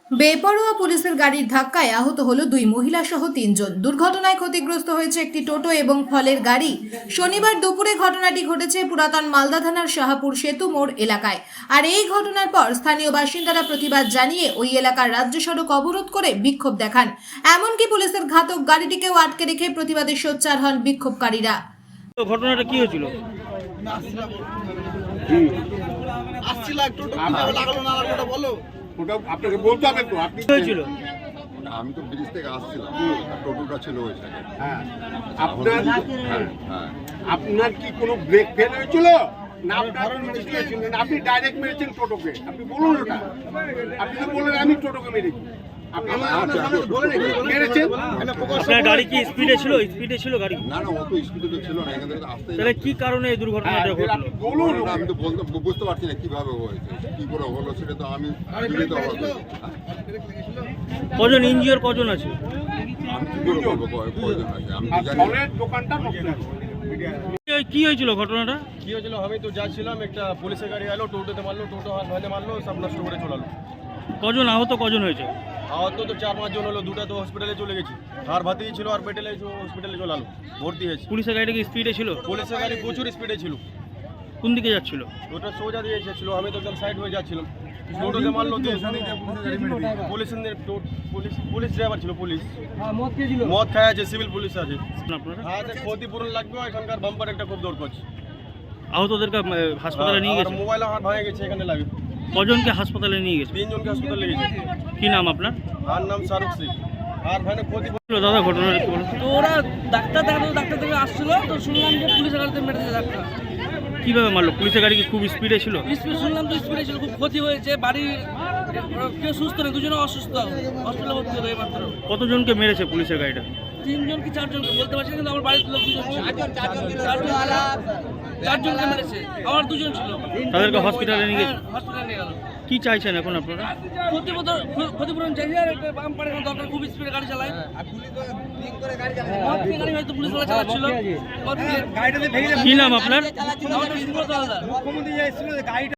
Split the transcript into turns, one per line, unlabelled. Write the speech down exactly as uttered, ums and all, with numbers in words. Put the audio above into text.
বেপরোয়া পুলিশের গাড়ির ধাক্কায় আহত হলো দুই মহিলা সহ তিনজন। দুর্ঘটনায় ক্ষতিগ্রস্ত হয়েছে একটি টোটো এবং ফলের গাড়ি। শনিবার দুপুরে ঘটনাটি ঘটেছে পুরাতন মালদা থানার শাহপুর সেতু মোড় এলাকায়। আর এই ঘটনার পর স্থানীয় বাসিন্দারা প্রতিবাদ জানিয়ে ওই এলাকার রাজ্য সড়ক অবরোধ করে বিক্ষোভ দেখান। এমনকি পুলিশের ঘাতক গাড়িটিকেও আটকে রেখে প্রতিবাদে সোচ্চার হন বিক্ষোভকারীরা।
ঘটনাটা কি হয়েছিল?
ওটা আপনাকে বলতে হবে তো, আপনি
হয়েছিল?
আমি তো ব্রিজ থেকে আসছিলাম, টোটোটা ছিল ওই সাইডে।
হ্যাঁ, আপনার
হ্যাঁ হ্যাঁ
আপনার কি কোনো ব্রেক ফেল হয়েছিল না? আপনার মেরেছিলেন, আপনি ডাইরেক্ট মেরেছেন টোটোকে? আপনি বলুন ওটা। আপনি তো বললেন আমি টোটোকে মেরেছি। আপনি মেরেছেন।
আপনার গাড়ি কি স্পিডে ছিল? স্পিডে ছিল গাড়ি?
না না, অত স্পিডে তো ছিল না, এখান থেকে আসতে।
তাহলে কি কারণে এই দুর্ঘটনাটা ঘটলো?
আপনি বলুন।
আমি তো বলতে বুঝতে পারছি না কিভাবে হয়েছে, কি করে হলো সেটা তো আমি বুঝতে পারছি না।
কজন ইঞ্জিওর কজন আছে?
আমি কি করে বলবো কয়- কয়জন আছে আমি
আর
তো জানি না।
ফলের দোকানটা নষ্ট হয়েছে।
কি- কি হয়েছিল ঘটনাটা?
কি হয়েছিল, আমি তো যাচ্ছিলাম, একটা পুলিশের গাড়ি এলো, টোটোতে মারলো, টোটো হাত ভাঙে মারলো, সব নষ্ট করে চলালো।
কজন আহত কজন হয়েছে?
আহত তো চার পাঁচ জন হলো, দুটা তো হসপিটালে চলে গেছি, আর ভাতেই ছিল, আর পেটেলে হসপিটালে চলালো, ভর্তি হয়েছে।
পুলিশের গাড়িটা কি স্পিডে ছিল?
পুলিশের গাড়ি প্রচুর স্পিডে ছিল,
কোন দিকে যাচ্ছিল?
ওটা সোজা দিয়ে ছিল, আমি তো একদম সাইড হয়ে যাচ্ছিলাম, টোটোতে মারলো। তো পুলিশ পুলিশ পুলিশ ড্রাইভার ছিল, পুলিশ মদ খায় আছে, সিভিল পুলিশ আছে।
আপনারা
হ্যাঁ, ক্ষতিপূরণ লাগবে, এখানকার বাম্পার একটা খুব দৌড় করছে।
আহতদেরকে আহ, হাসপাতালে নিয়ে গেছে?
মোবাইল হাত ভাঙে গেছে, এখানে লাগে
কজনকে হাসপাতালে নিয়ে গেছে?
তিনজনকে হাসপাতালে গেছে।
কি নাম আপনার?
আর নাম শাহরুখ সিং। আর ভাই ক্ষতি
দাদা ঘটনাটা কি বলুন?
তো ওরা ডাক্তার দেখাতে ডাক্তার থেকে আসছিল, তো শুনলাম যে পুলিশের গাড়িতে মেরেছে ডাক্তার।
কিভাবে মারলো? পুলিশের গাড়ি কি খুব স্পিডে ছিল?
স্পিড শুনলাম তো স্পিডে ছিল, খুব ক্ষতি হয়েছে। বাড়ি কেউ সুস্থ নেই, দুজনে অসুস্থ, হসপিটালে ভর্তি হলো এই মাত্র।
কতজনকে মেরেছে পুলিশের গাড়িটা?
তিনজন কি চারজনকে বলতে পারছি না, কিন্তু আমার বাড়ির লোক দুজন ছিল। চারজন চারজনকে মেরেছে, আমার দুজন ছিল।
তাদেরকে হসপিটালে নিয়ে গেছে?
হ্যাঁ, হসপিটালে নিয়ে গেল।
কি চাইছেন এখন আপনারা?
ক্ষতিপূরণ ক্ষতিপূরণ চাইছে, আর একটা বাম্পারের দরকার, খুব স্পিডে গাড়ি চালায়। মদ খেয়ে গাড়ি হয়তো পুলিশ চালাচ্ছিল।
কি নাম আপনার?
আমাদের সুব্রত হালদার।